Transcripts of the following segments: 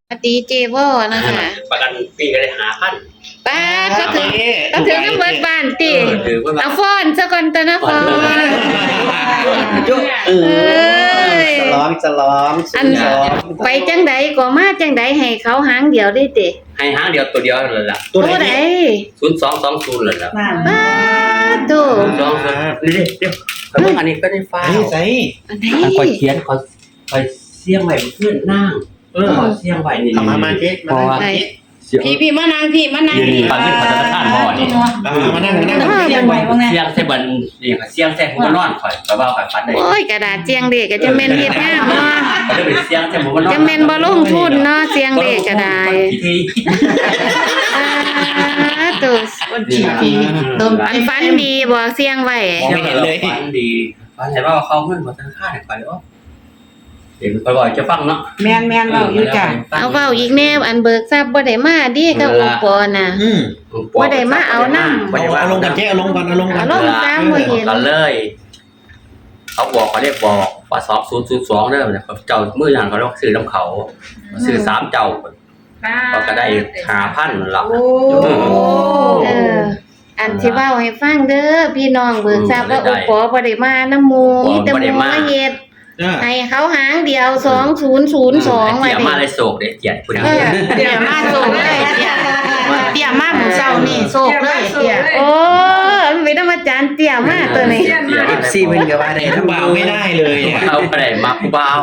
ปฏิเจวอนะคะประกันปีก็ได้5,000 ป้าก็ถึงน้ำเบิดบ้านติเอาฟ้อนซะก่อนตะนะฟ้อนจะล้อมอันไปจังใดก็มาจังใดให้เขาหางเดียวได้ติให้หางเดียวตัวเดียวนั่นล่ะตัวใด 0220นั่นล่ะป้าโต 02นี่เดี๋ยวอันนี้ก็ได้ฟ้าใส่อันไหนค่อยเขียนค่อยเสียงไว้เพื่อนนั่งเสียงไว้นี่มาเจ๊พี่มานั่งพี่มานั่งนี่ฟังขึ้นขอธนาคารพ่อนี่มานั่งเสียงไว้เสียงใส่บันนี่เสียงใส่หัวนอนข่อยว่าข่อยฝันได้โอ้ยกระดาษเจียงเด็กก็จะแม่นเฮ็ดงามเนาะเสียงใส่หัวนอนจะแม่นบ่ลงทุนเนาะเสียงเด็กก็ได้ตัวอันฝันดีบ่เสียงไว้ไม่เห็นเลยฝันดีฝันเห็นว่าเขาเงินขอธนาคารไปอ๋อเดี๋ยวค่อยๆจะฟังเนาะแม่นเว้าอยู่จ้ะเอาเว้าอีกแนวอันเบิกทรัพย์บ่ได้มาดิกับอุปกรณ์น่ะบ่ได้มาเอานำเอาลงกันเจ๊เอาลงกันลงตามบ่เห็นกันเลยเขาบอกเขาเรียกบอกว่า2002เด้อเนี่ยเจ้ามื้อนั้นเขาต้องซื้อน้ำเขาซื้อ3เจ้าก็ได้ 5,000 ล่ะอันที่เว้าให้ฟังเด้อพี่น้องเบิกทรัพย์ว่าอุปกรณ์บ่ได้มานำหมู่มีแต่หมู่มาเฮ็ดให้เขาหางเดียว2002ไว้เดี๋ยวมาเลยโศกเด้เกียรติพุ่นเดี๋ยวมาโศกเลยเตี้ยมาหมู่เช้านี่โศกเลยเตี้ยโอ้มันเป็นธรรมจารย์เตี้ยมาตัวนี้ FC เพิ่นก็ว่าได้ทั้งเบาไม่ได้เลยเนี่ยเอาบ่ได้มักเบา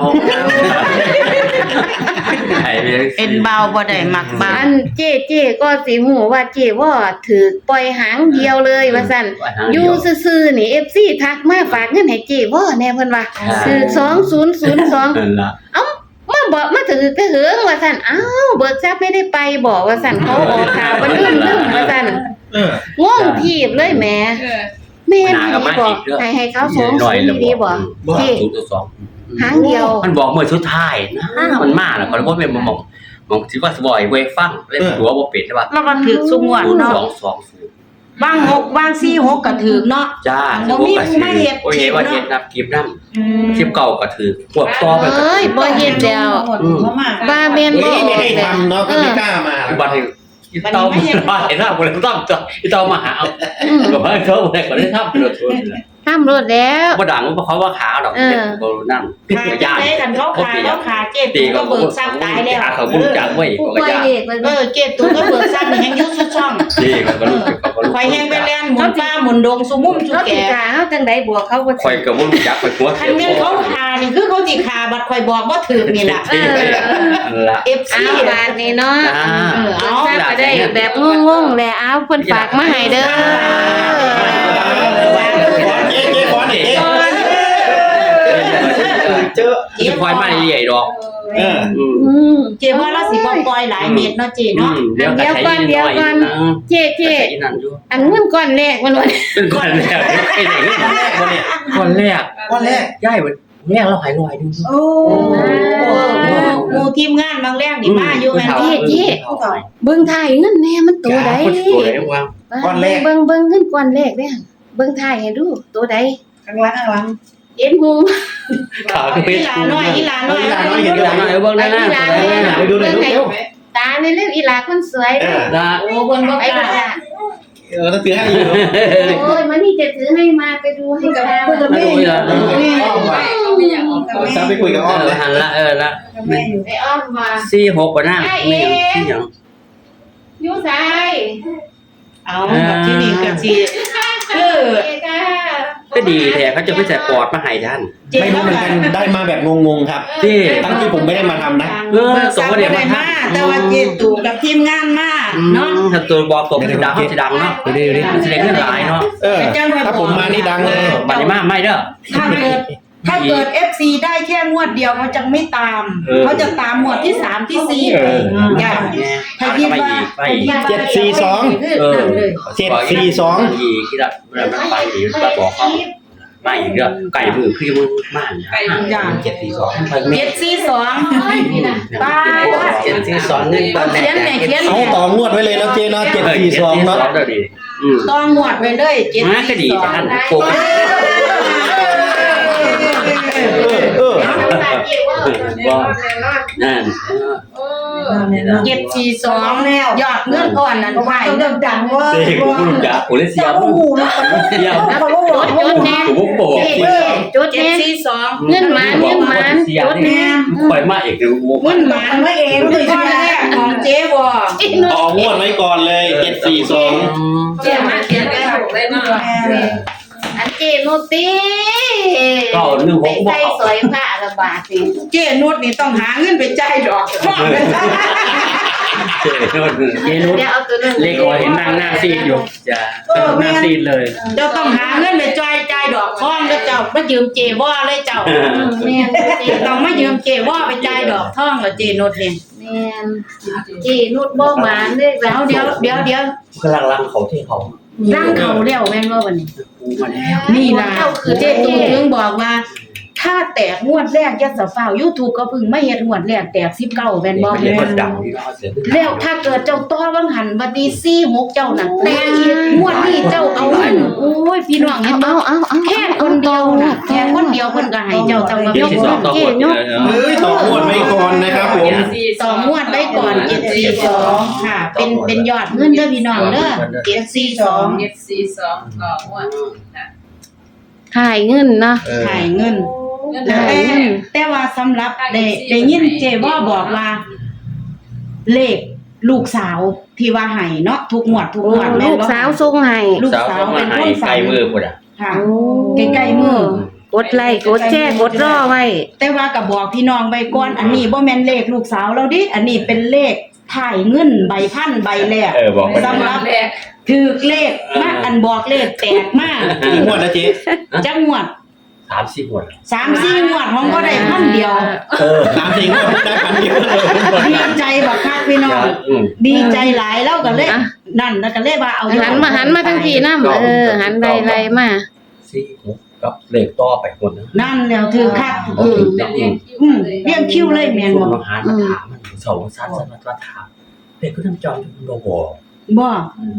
เอ็นเบาบ่ได้มักบ้าอันเจ๊ก็สิฮู้ว่าเจ๊ว่าถูกปล่อยหางเดียวเลยว่าซั่นอยู่ซื่อๆนี่ FC ทักมาฝากเงินให้เจ๊ว่าแน่เพิ่นว่าซื้อ2002เอ้ามาถือกระเหืองว่าซั่นอ้าวเบิกทรัพย์ไม่ได้ไปบอกว่าซั่นเขาออกข่าวบ่ลืมว่าซั่นงงทีบเลยแหมแม่นดีบ่ให้เขา20ดีบ่เจ๊หางเดียวมันบอกเมื่อสุดท้ายนะมันมาแล้วก็บ่แม่นมองสิว่าสบอยเว้ฟังเล่นตัวบ่เป็นใช่ป่ะแล้วก็ถูกซุงวดเนาะ 220 บาง6บาง46ก็ถูกเนาะจ้าบ่มีผู้มาเฮ็ดโอ้ยว่าเฮ็ดนับคลิปนำคลิปเก่าก็ถูกพวกต่อไปก็เอ้ยบ่เฮ็ดแล้วบ้าแม่นบ่ไม่ได้ทำเนาะก็ไม่กล้ามาบัดนี้อีเตามาเห็นหน้าบ่ได้ต้องอีเตามาหาก็บ่เขาบ่ได้ก็ได้ทำรถทำรถแล้วบ่ดังเพราะเขาว่าขาดอกบ่นั่นย่านกันเขาขาเจ็บก็เบิกทรัพย์ตายแล้วเขาบ่รู้จักเว้ยก็ย่านเจ็บตัวก็เบิกทรัพย์นี่แฮงอยู่ช่องนี่ก็บ่รู้ข่อยแฮงไปเล่นหมุนฟ้าหมุนดงสุมุมสุแก่เฮาจังได๋บวกเขาบ่ข่อยก็บ่รู้จักข่อยหัวคันแม่นเขาขานี่คือเขาสิขาบัดข่อยบอกบ่ถูกนี่ล่ะ FC บาทนี่เนาะเอาก็ได้แบบงงๆแหละเอาเพิ่นฝากมาให้เด้อเจออีพอยมาใหญ่ดอกเจ๊ว่าเราสิบ่ปล่อยหลายเม็ดเนาะเจ๊เนาะเดี๋ยวก่อนเจ๊อันเงินก้อนแรกมันเป็นก้อนแรกไอ้ไหนก้อนแรกย่ายแรกเราหายลอยดูโอ้หมู่ทีมงานบางแรกนี่มาอยู่แม่นเจ๊เบิ่งถ่ายเงินแน่มันตัวใดก้อนแรกเบิ่งเงินก้อนแรกเด้เบิ่งถ่ายให้ดูตัวใดข้างหลังเอ็นหูขาคือเป็นอีหลาน้อยเห็นอีหลาน้อยเบิ่งได้นะดูหน่อยดูตาในเรื่องอีหลาคนสวยนะโอ้เบิ่งบ่กล้าต้องถือให้อยู่โอ้ยมันนี่จะถือให้มาไปดูให้ตากับแม่จะไปคุยกับอ้อมหันละละไอ้อ้อมมา 46บ่นั่งแม่ที่หยังอยู่ไสเอาที่นี่ก็สิก็ดีแท้เขาจะไปใส่ปอดมาให้ท่านไม่รู้เหมือนกันได้มาแบบงงๆครับที่ตั้งที่ผมไม่ได้มาทำนะสองประเดี๋ยวมาแต่ว่าเจตู่กับทีมงานมาเนาะถ้าตัวบอกตกจะดังจะดังเนาะดูดิแสดงเรื่องหลายเนาะถ้าผมมานี่ดังเลยบัดนี้มาไม่เด้อถ้าเกิด FC ได้แค่งวดเดียวเขาจะไม่ตามเขาจะตามงวดที่3ที่4อย่างถ้าคิดว่า 742 ที่ละมันไปดีก็บอกเขาไม่อีกเด้อไก่มือคือมือม่านอย่าง742ป้า 742นี่ตอนแรกเอาต่องวดไว้เลยนะเจเนาะ742เนาะต้องงวดไว้เลย742 มาก็ดีท่านโกล่ะเจ๊ว่านั่น 742ยอดเงินอ่อนนั่นไผดังว่าเด็กกูรู้จักกูเลยเสียโอ้โหนะเสียจดแน่กูบ่บอกจดแน่ 742 เงินหมานจดแน่ปล่อยมาเอกดูเงินหมานไว้เองเลยใช่ไหมของเจ๊บ่ต่องวดไว้ก่อนเลย742 เขียนมาเขียนได้ถูกเลยเนาะอันเจ๊โนตีก็16 ใส่สอยผ้าละบาทนี่เจ๊นุชนี่ต้องหาเงินไปจ่ายดอกเจนุชเดี๋ยวเอาตัวนึงเลขออยเห็นนั่งซีดอยู่จะนั่งซีดเลยเจ้าต้องหาเงินไปจ่ายดอกท่องแล้วเจ้ามายืมเจว่าเลยเจ้าแม่นเจ๊ต้องมายืมเจว่าไปจ่ายดอกท่องแล้วเจนุชนี่แม่นเจ๊นุชบ่หมานเด้อแล้วเดี๋ยวกำลังรังเขาที่เขาร่างเขาแล้วแม่นว่าวันนี้กูมาแล้วนี่ล่ะเจตูถึงบอกว่า ถ้าแตกงวดแรกยัดสะฟ้าว YouTube ก็เพิ่งไม่เฮ็ดงวดแรกแตก19แม่นบ่เด็กคนดังที่เราเสียแล้วถ้าเกิดเจ้าต้อวังหันบัดนี้46เจ้านั่นแตกอีกงวดนี้เจ้าเอาเงินโอ้ยพี่น้องเห็นบ่เอาแค่คนเดียวน่ะแค่คนเดียวเพิ่นก็ให้เจ้าต้องมายกที่มืสอองต่อหมดเลยเฮ้ยต่องวดไว้ก่อนนะครับผมต่องวดได้ก่อน742ค่ะ เป็นยอดเงินเด้อพี่น้องเด้อ742 742ก็ม่วนค่ะถ่ายเงินเนาะถ่ายเงินเงินแต่ว่าสำหรับได้ยินเจว่าบอกว่า เลขลูกสาวที่ว่าให้เนาะทุกงวดแม่ลูนกบ่สาวส่งให้ลูกสาวเป็นคนไกลฝันมือพุ่นอ่ะค่ะใกล้ๆมือกดไลค์กดแชร์กดรอไว้แต่ว่าก็บอกพี่น้องไว้ก่อนอันนี้บ่แม่นเลขลูกสาวเราดิอันนี้เป็นเลขถ่ายเงินใบพันใบแรกบอกคนสำหรับถือเลขมาอันบอกเลขแตกมากกี่งวดนะเจ๊จักงวด 3-4 คน 3-4งวดของก็ได้พันเดียว 3-4งวดได้พันเดียวดีใจบักคักพี่น้องดีใจหลายแล้วก็เลยนั่นแล้วก็เลยว่าเอาหันมาทั้งทีน้ำหันไล่มา 4-6กับเลขต่อไปคนนึงนั่นแล้วถือคัก เรียงคิวเลยแม่นส่วนบ่น้องหานมาถามมันสองสั้นมาถามเลขก็ทำจอมโลโบบ่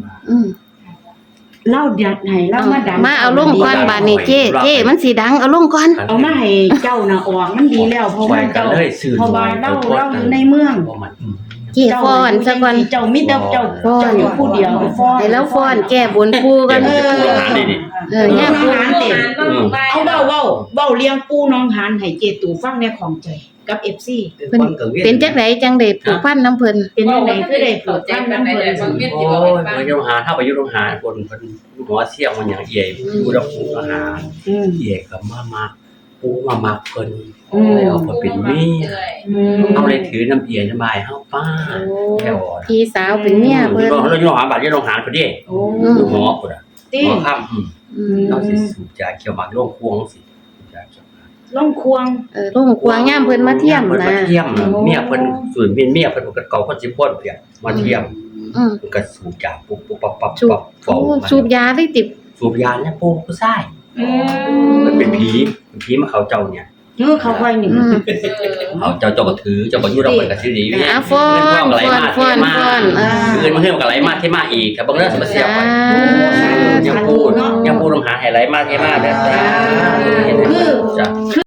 เล่าอยากให้เล่ามาดังมาเอาลงก่อนบาดนี้เจ๊มันสิดังเอาลงก่อนเอามาให้เจ้าน่ะออกมันดีแล้วเพราะว่าเจ้าเพราะว่าเล่าอยู่ในเมืองเจ๊ฟ้อนซะก่อนเจ้ามีแต่เจ้าอยู่ผู้เดียวฟ้อนให้แล้วฟ้อนแก้บนปูกันย่าปูหานเต็มเอาเว้าเลี้ยงปูน้องหานให้เจตู่ฟังในของใจกับ FC เป็นจักไดจังได้ผูกพันน้ำเพิ่นเป็นจังได๋คือได้ผูกพันนำเพิ่นโอ้ยมันยังหาถ้าไปยุโรหาคนหมอเสี่ยงมันอย่างเอี่ยผู้รับผู้อาหารเอี่ยกับมาปูมาเพิ่นเอาเพิ่นเป็นเมียเอาเลยถือน้ำเอี่ยน้ำบายเฮาป้าแค่ว่าพี่สาวเป็นเมียเพิ่นเราอยู่หาบัตรยุโรหาคนเด้โอ้หมอพุ่นอ่ะติหมอค่ำเราสิสูบยาเขียวหมากโรคควงสิยาเขียวล่องควงลงควงย่ามเพิ่นมาเที่ยมเพิ่นนะมาเที่ยมเมียเพิ่นส่วนเป็นเมียเพิ่นก็เก่าคนสิพ่นเพียมาเที่ยมก็สูบยาปุ๊บปั๊บสูบยาได้ติดสูบยาเนี่ยปูผู้ชายมันเป็นผีมาเขาเจ้าเนี่ยเขาค่อยนี่เขาเจ้าก็ถือเจ้าก็อยู่ดอกเพิ่นก็ถือดีเนี่ยฟ้อนเงินมาเฮือนก็ไหลมาเทมาอีกครับบางเรื่องสิมาเสียไปยังพูดน้ำหาให้ไหลมาเทมาเด้อคือ